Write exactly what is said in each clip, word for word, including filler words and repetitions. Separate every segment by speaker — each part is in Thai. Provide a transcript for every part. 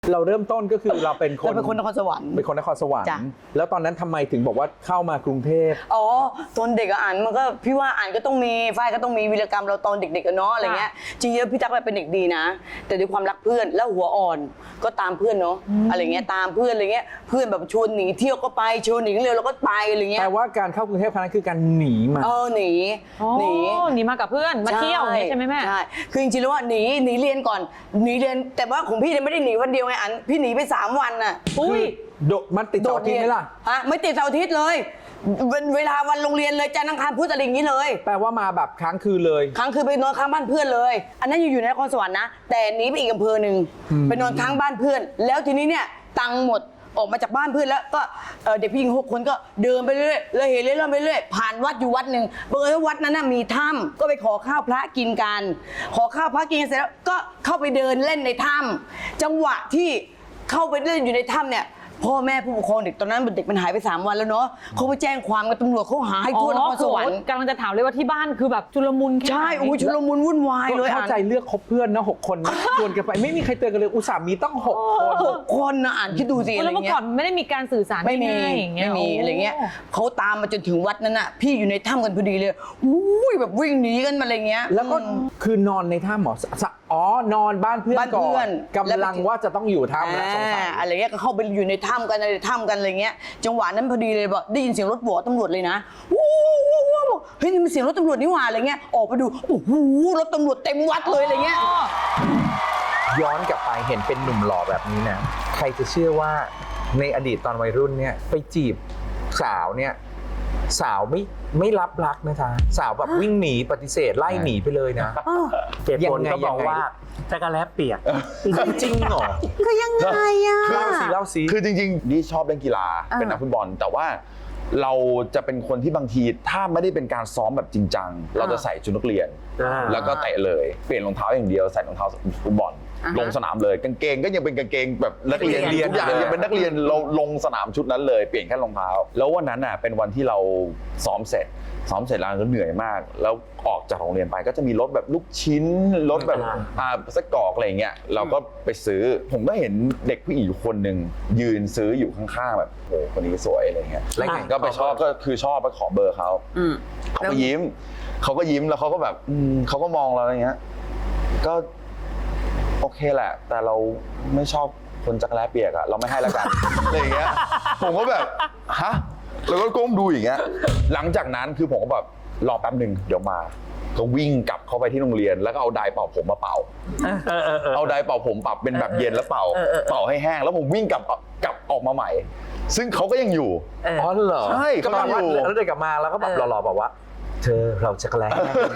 Speaker 1: เราเริ่มต้นก็คือเราเป็นคน
Speaker 2: เราเป็นคนนครสวรรค์
Speaker 1: เป็นคนนครสวรร
Speaker 2: จ้ะ
Speaker 1: ค์แล้วตอนนั้นทำไมถึงบอกว่าเข้ามากรุงเทพ
Speaker 2: อ๋อตอนเด็กอะอ่านมันก็พี่ว่าอ่านก็ต้องมีฝ้ายก็ต้องมีวีรกรรมเราตอนเด็กๆกันเนาะอะไรเงี้ยจริงๆพี่ตั๊กเป็นเด็กดีนะ แต่ด้วยความรักเพื่อนแล้วหัวอ่อนก็ตามเพื่อนเนาะอะไรเงี้ยตามเพื่อนอะไรเงี้ยเพื่อนแบบชวนหนีเที่ยวก็ไปชวนหนีเร็วเราก็ไปอะไรเงี้ย
Speaker 1: แต่ว่าการเข้ากรุงเทพครั้งนั้นคือการหนีมา
Speaker 2: เออหนี
Speaker 3: อ๋อ
Speaker 2: หนี
Speaker 3: หนีมากับเพื่อนมาเที่ยวอย่างนี้ใช่ไหมแม่
Speaker 2: ใช่คือจริงๆแล้วว่าหนีหนีเรียนก่อนหนีเรียนแต่ว่าของพี่เนี่ยไม่ได้หนีวันเดียวไงอันพี่หนีไปสามวันน่ะ
Speaker 3: อุ้ย
Speaker 1: โดดมันติดเสาร์อาทิตย์ไหมล่ะ
Speaker 2: ฮะไม่ติดเสาร์อาทิตย์เลยเวเวลาวันโรงเรียนเลยจันทร์อังคารพุธอะไรอย่างนี้เลย
Speaker 1: แปลว่ามาแบบค้างคืนเลย
Speaker 2: ครั้งคือไปนอนค้างบ้านเพื่อนเลย อันนั้นอยู่อยู่ในนครสวรรค์นะแต่หนีไปอีกอำเภอหนึ่งไปนอนค้างบ้านเพื่อน แล้วทีนี้เนี่ยตังค์หมดออกมาจากบ้านเพื่อนแล้วก็เอ่อเด็กผู้หญิงหกคนก็เดินไปเรื่อยๆเลยเห็นเรื่อยๆไปเรื่อยผ่านวัดอยู่วัดหนึ่งบังเอิญว่าวัดนั้นน่ะมีถ้ำก็ไปขอข้าวพระกินกัน ขอข้าวพระกินกันเสร็จแล้วก็เข้าไปเดินเล่นในถ้ำจังหวะที่เข้าไปเล่นอยู่ในถ้ำเนี่ยพ่อแม่ผู้ปกครองเด็กตอนนั้นเด็กมันหายไปสามวันแล้วเนาะเขาไปแจ้งความกับตำรวจเขาหาให้ทั่วนครสวรรค์
Speaker 3: กำลังจะถามเลยว่าที่บ้านคือแบบชุลมุนแค่ไหน
Speaker 2: ใช่โอ้ยชุลมุนวุ่นวายเลย
Speaker 1: เข้า
Speaker 2: อ่ะ
Speaker 1: ใจเลือกคบเพื่อนนะหกคนนะชวนกันไปไม่มีใครเตือนกันเลยอุตส่าห์มีต้องหกคน
Speaker 2: หกคนนะอ่านคิดดูสิอะไร
Speaker 3: แล้วเมื่อ
Speaker 2: เงี้
Speaker 3: ก่อย นไม่ได้มีการสื่อสาร
Speaker 2: ไม่มี
Speaker 3: ง่ายๆอย่างเงี้ย
Speaker 2: ไม่มี
Speaker 3: โ
Speaker 2: อะไรเงี้ยเขาตามมาจนถึงวัดนั้นน่ะพี่อยู่ในถ้ำกันพอดีเลยอุ้ยแบบวิ่งหนีกันมาอะไรเงี้ย
Speaker 1: แล้วก็คือนอนในถ้ำหมอสะอ๋อนอนบ้านเพื่อน
Speaker 2: บ้าน
Speaker 1: ก่อ
Speaker 2: เพื่อน
Speaker 1: นกำลังว่าจะต้องอยู่ถ้ำแล้วสงสัย
Speaker 2: อ่าอะไรเงี้ยก็เข้าไปอยู่ในถ้ำกันในถ้ำกันอะไรเงี้ยจังหวะนั้นพอดีเลยบอกได้ยินเสียงรถบวตำรวจเลยนะวู้วู้วู้เฮ้ยนี่มันเสียงรถตำรวจนี่หว่าอะไรเงี้ยออกไปดูโอ้โหรถตำรวจเต็มวัดเลยอะไรเงี้ย
Speaker 1: ย้อนกลับไปเห็นเป็นหนุ่มหล่อแบบนี้นะใครจะเชื่อว่าในอดีตตอนวัยรุ่นเนี่ยไปจีบสาวเนี่ยสาวไม่ไม่รับรักนะคะสาวแบบวิ่งหนีปฏิเสธไล่หนีไปเลยนะ
Speaker 4: เหตุผลก็บอกว่าจักรแลเปียก
Speaker 1: จริงเหรอ
Speaker 2: คือยังไงอ่ะ
Speaker 1: เล่าสิเล่าสิ
Speaker 5: คือจริงๆนี่ชอบเล่นกีฬาเป็นนักฟุตบอลแต่ว่าเราจะเป็นคนที่บางทีถ้าไม่ได้เป็นการซ้อมแบบจริงจังเราจะใส่ชุดนักเรียน
Speaker 4: อ่า
Speaker 5: แล้วก็เตะเลยเปลี่ยนรองเท้าอย่างเดียวใส่รองเท้าฟุตบอลลงสนามเลยกางเกงก็ยังเป็นกางเกงแบบนักเรียน
Speaker 1: เรียน
Speaker 5: ทุกอย่างยังเป็นนักเรียนเราลงสนามชุดนั้นเลยเปลี่ยนแค่รองเท้า แล้ววันนั้นน่ะเป็นวันที่เราซ้อมเสร็จซ้อมเสร็จแล้วก็เหนื่อยมาก แล้วออกจากโรงเรียนไปก็จะมีรถแบบลูกชิ้นรถแบบอ่าไส้กรอกอะไรเงี้ยเราก็ไปซื้อผมก็เห็นเด็กผู้หญิงอยู่คนหนึ่งยืนซื้ออยู่ข้างๆแบบโอ้คนนี้สวยอะไรเงี้ย
Speaker 1: แล้วไง
Speaker 5: ก็ไปชอบก็คือชอบไปขอเบอร์เขาเขาก็ยิ้มเขาก็ยิ้มแล้วเขาก็แบบอืมเขาก็มองเราอย่างเงี้ยก็โอเคแหละ แต่เราไม่ชอบคนจักรแร้เปียกอะเราไม่ให้แล้วกัน อะไรอย่างเงี้ยผมก็แบบฮะแล้วก็ก้มดูอย่างเงี้ยหลังจากนั้นคือผมก็แบบรอแป๊บหนึ่งเดี๋ยวมาก็วิ่งกลับเข้าไปที่โรงเรียนแล้วก็เอาไดร์เป่าผมมาเป่า
Speaker 4: เออเออเออ
Speaker 5: เอาไดร์เป่าผมปรับเป็นแบบเย็นแล้วเป่าเป่าให้แห้งแล้วผมวิ่งกลับกลับออกมาใหม่ ซึ่งเขาก็ยังอยู่
Speaker 1: อ๋อเหรอ
Speaker 5: ใช่
Speaker 1: ก็แปลว่า
Speaker 5: เขาอยู่
Speaker 1: แล้วเดินกลับมาแล้วก็แบบหล่อๆบอกว่า เธอเราจะแกล้ง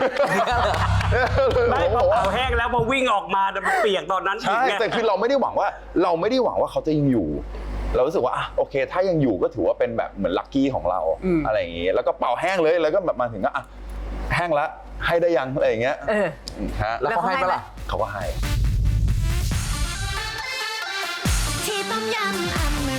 Speaker 4: ไม่พอเป่าแห้งแล้วพอวิ่งออกมาแต่มันเปียกตอนนั้นอีก
Speaker 5: ใช่
Speaker 4: ไง
Speaker 5: แต่คือเราไม่ได้หวังว่าเราไม่ได้หวังว่าเขาจะยังอยู่ เรารู้สึกว่าอ่ะโอเค ถ้ายังอยู่ก็ถือว่าเป็นแบบเหมือนลัคกี้ของเราอะไรอย่างงี้แล้วก็เป่าแห้งเลยแล้วก็แบบมาถึงก็อ่ะแห้งละให้ได้ยังอะไรอย่างเงี้ยฮะ
Speaker 1: แล้วเขาให้ปะล่ะ
Speaker 5: เขาก็ให้
Speaker 6: ที่ต้มยำอเม